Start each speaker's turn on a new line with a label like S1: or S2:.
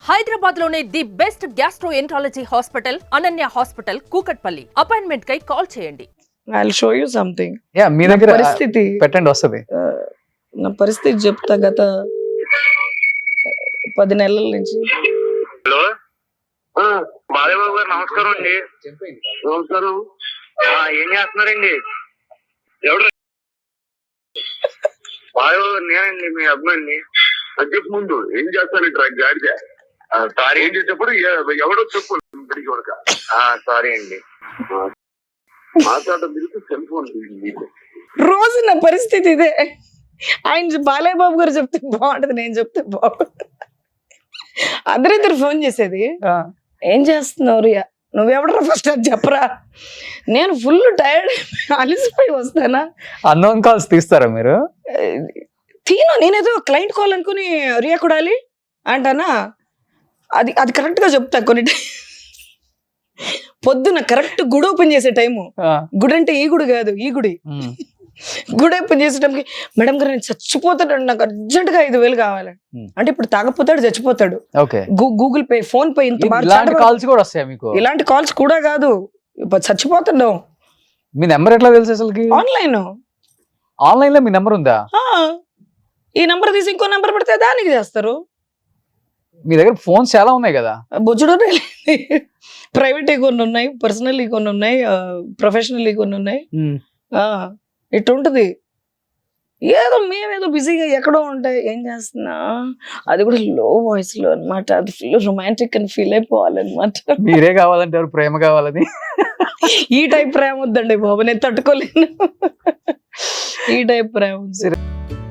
S1: హైదరాబాద్ లోనే the best gastroenterology hospital Ananya hospital Kukatpally. Appointment కై call చేయండి.
S2: I'll show you something.
S3: యా మీ దగ్గర
S2: పరిస్థితి
S3: పెట్టండి వస్తది.
S2: నా పరిస్థితి చెప్తా. గత 10 నెలల నుంచి.
S4: హలో బాలయ్యబాబు గారు నమస్కారం అండి. నమస్కారం. ఏం చేస్తున్నారండి? ఎవరు? బాలయ్యబాబు గారు నేనండి, మీ అభిమాని. అది చెప్పు ముందు ఏం చేస్తానంటే గాడిద సారీ ఏం చేసేటప్పుడు ఎవడో చెప్పు ఇప్పటికి వరకు. సారీ అండి. మాట్లాడడం తిరిగి సెల్ ఫోన్
S2: రోజు నా పరిస్థితి ఇదే. ఆయన బాలయ్య బాబు గారు చెప్తే బాగుంటది, నేను చెప్తే బాగుంటది. అందరిద్దరు ఫోన్ చేసేది, ఏం చేస్తున్నావు రియా, నువ్వెవడరా ఫస్ట్ అది చెప్పరా. నేను ఫుల్ టైర్డ్, అలిసిపోయి వస్తానా.
S3: అన్నోన్ కాల్స్ తీస్తారా మీరు?
S2: నేనేదో క్లయింట్ కాల్ అనుకుని రియా కొడాలి అంటానా. అది అది కరెక్ట్ గా చెప్తా. కొన్ని పొద్దున కరెక్ట్ గుడి ఓపెన్ చేసే టైము. గుడి అంటే ఈ గుడి కాదు, ఈ గుడి. గుడి ఓపెన్ చేసే టైంకి మేడం గారు నేను చచ్చిపోతాడు, నాకు అర్జెంట్ గా 5,000 కావాలి అంటే, ఇప్పుడు తాగపోతాడు, చచ్చిపోతాడు. గూగుల్ పే, ఫోన్ పే, ఇంత
S3: కాల్స్ కూడా వస్తాయి మీకు?
S2: ఇలాంటి కాల్స్ కూడా కాదు, చచ్చిపోతున్నాం.
S3: మీ నెంబర్ ఎట్లా తెలుసు అసలుకి? ఆన్లైన్ లో మీ నెంబర్ ఉందా?
S2: ఈ నెంబర్ తీసి ఇంకో నెంబర్ పెడితే దానికి చేస్తారు.
S3: మీ దగ్గర ఫోన్స్ చాలా ఉన్నాయి కదా?
S2: బొచ్చుడు ప్రైవేట్ కొన్ని ఉన్నాయి, పర్సనల్ కొన్ని ఉన్నాయి, ప్రొఫెషనల్ కొన్ని ఉన్నాయి. ఇట్టుంటది. ఏదో మేమేదో బిజీగా ఎక్కడో ఉంటాయి. ఏం చేస్తున్నా, అది కూడా లో వాయిస్ లో అనమాట. అది ఫుల్ రొమాంటిక్ అని ఫీల్ అయిపోవాలన్నమాట.
S3: మీరే కావాలంటే ప్రేమ కావాలని.
S2: ఈ టైప్ ప్రేమ వద్దండి బాబు, నేను తట్టుకోలేను. ఈ టైప్ ప్రేమ.